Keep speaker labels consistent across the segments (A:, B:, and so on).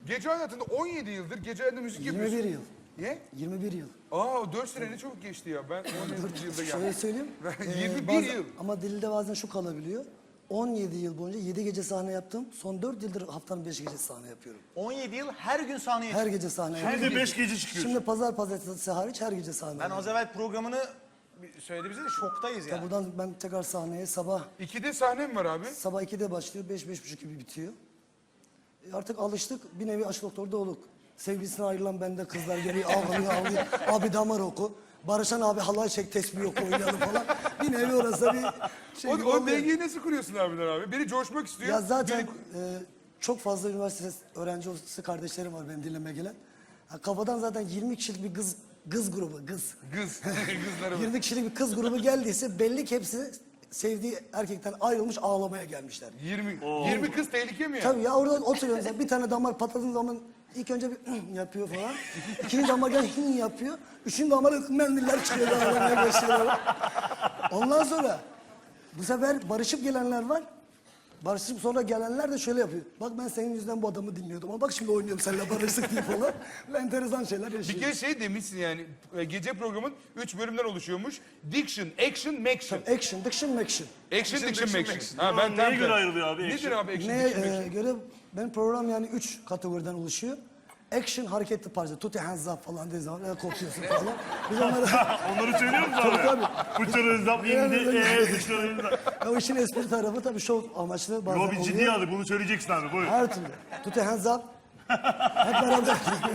A: Gece hayatında 17 yıldır gece hayatında müzik yapıyorsun.
B: 21 yıl.
A: Niye?
B: 21 yıl.
A: Aa 4 sene ne çabuk geçti ya. Ben 17 yılda geldim.
B: Şöyle söyleyeyim.
A: 21 yıl.
B: Ama dilde bazen şu kalabiliyor. 17 yıl boyunca 7 gece sahne yaptım. Son 4 yıldır haftanın 5 gecesi sahne yapıyorum.
C: 17 yıl her gün sahneye
B: Her gece sahne
D: Şimdi
B: yapıyorum.
D: de 5 gece çıkıyor.
B: Şimdi pazar pazartesi hariç her gece sahne
C: Ben
B: yapıyorum.
C: az evvel programını söyledi bize de şoktayız yani.
B: Buradan ben tekrar sahneye sabah
A: 2'de sahnem var abi.
B: 2'de başlıyor, 5-5.30 gibi bitiyor. Artık alıştık, bir nevi aşk doktorda olduk. Sevgilisine ayrılan bende kızlar geliyor, ağlıyor. Abi damar oku. Barışan abi halay çek, tesbih oku, oynayalım falan. Bir nevi orası bir şey gibi
A: O
B: oluyor.
A: dengeyi nasıl kuruyorsun abiden abi? Biri coşmak istiyor.
B: Ya zaten
A: biri-
B: çok fazla üniversite öğrencisi kardeşlerim var benim dinlemeye gelen. Kafadan zaten 20 kişilik bir kız grubu,
A: Kız. Kızları var.
B: 20 kişilik bir kız grubu geldiyse belli ki hepsi sevdiği erkekten ayrılmış ağlamaya gelmişler.
A: 20 kız tehlike mi ya?
B: Tabii ya orada oturuyorsun sen bir tane damar patladığın zaman ilk önce bir yapıyor falan. İkinci damar gel yapıyor. Üçüncü damar mendiller çıkıyor ağlamaya başlıyorlar. Ondan sonra bu sefer barışıp gelenler var. Barışıp sonra gelenler de şöyle yapıyor. Bak ben senin yüzünden bu adamı dinliyordum ama bak şimdi oynuyorum seninle barıştık diye falan. Enteresan şeyler
A: Bir
B: yaşıyor.
A: kere şey demişsin yani gece programın 3 bölümden oluşuyormuş. Diction, action, maction.
B: Action, diction, action.
A: Action, diction, maction. Ha,
D: Ulan neye göre ayrılıyor abi
A: Nedir
D: action?
A: abi action,
B: Neye
A: diction, maction?
B: göre benim program yani 3 kategoriden oluşuyor. Action hareketli parça. Tuti hands up falan dediği zaman kopuyorsun falan. Biz onları...
D: Onları söylüyor musun abi?
B: Tabii.
D: Bıçarı zap indi, bıçarı zap.
B: O işin espri tarafı tabii şov amaçlı bazen
D: Yo bir
B: oluyor.
D: ciddi aldık bunu söyleyeceksin abi buyur.
B: Her türlü. Tuti hands up. Hep beraber.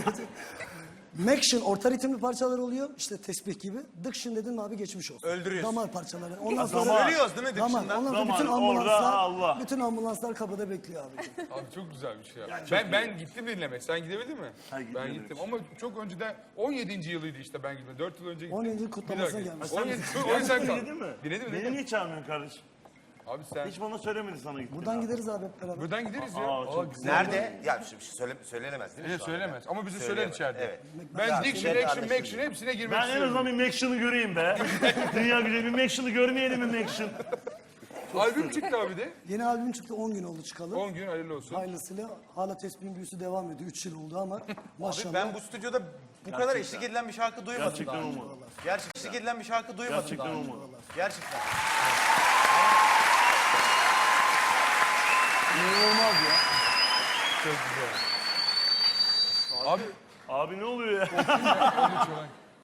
B: Maction orta ritimli parçalar oluyor. İşte tesbih gibi. Diction dedin mi abi geçmiş olsun.
C: Öldürüyorsun.
B: Damar parçaları. Ondan
D: Damar.
C: Ölüyoruz değil mi
B: Damar.
C: dışında?
B: Ondan sonra
D: Damar,
B: bütün
D: orada
B: ambulanslar,
D: Allah.
B: bütün ambulanslar kapıda bekliyor abi.
A: Abi çok güzel bir şey ya. Ben gittim dinlemeye. Sen gidebildin mi?
D: Ha,
A: Ben
D: gidemedim.
A: gittim ama çok önceden 17. yılıydı işte ben gittim. 4 yıl önce gittim.
B: 17 yıl kutlamasına
A: Bir daha
B: gelmiş.
A: gittim. 17 o yüzden
D: Sen
A: kaldım.
D: dinledin mi?
A: Dinledim
D: Beni
A: dinledim.
D: niye çağırmıyorsun kardeşim?
A: Abi sen
D: Hiç bana söylemedi sana gittin.
B: Buradan gideriz abi hep beraber.
A: buradan gideriz ya.
D: Aa, çok
A: güzel.
C: Nerede? Ya şimdi söylenemez değil mi?
A: Evet,
C: şu anda?
A: söylemez ama bize söyler
C: Söyleyemez,
A: içeride.
C: evet.
A: Ben
C: Ya,
A: diction,
C: şey
A: action,
C: kardeşim.
A: maction hepsine girmek
D: Ben en
A: istiyorum.
D: azından bir Maction'ı göreyim be. Dünya güzeli bir Maction'ı görmeyelim mi Maction?
A: Albüm çıktı abi de.
B: Yeni albüm çıktı 10 gün oldu çıkalı.
A: 10 gün hayırlı olsun.
B: Hayırlısıyla hala tesbihin büyüsü devam ediyor. 3 yıl oldu ama maşallah.
C: Ben bu stüdyoda bu kadar eşlik edilen bir şarkı duymadım
D: Gerçekten
C: daha önce.
D: olmadı.
C: Gerçekten eşlik edilen bir şarkı duymadım
D: Gerçekten
C: daha önce.
D: olmadı.
C: Gerçekten.
B: İnanılmaz ya.
A: Çok güzel. Abi
D: Abi ne oluyor ya?
A: onu çalan.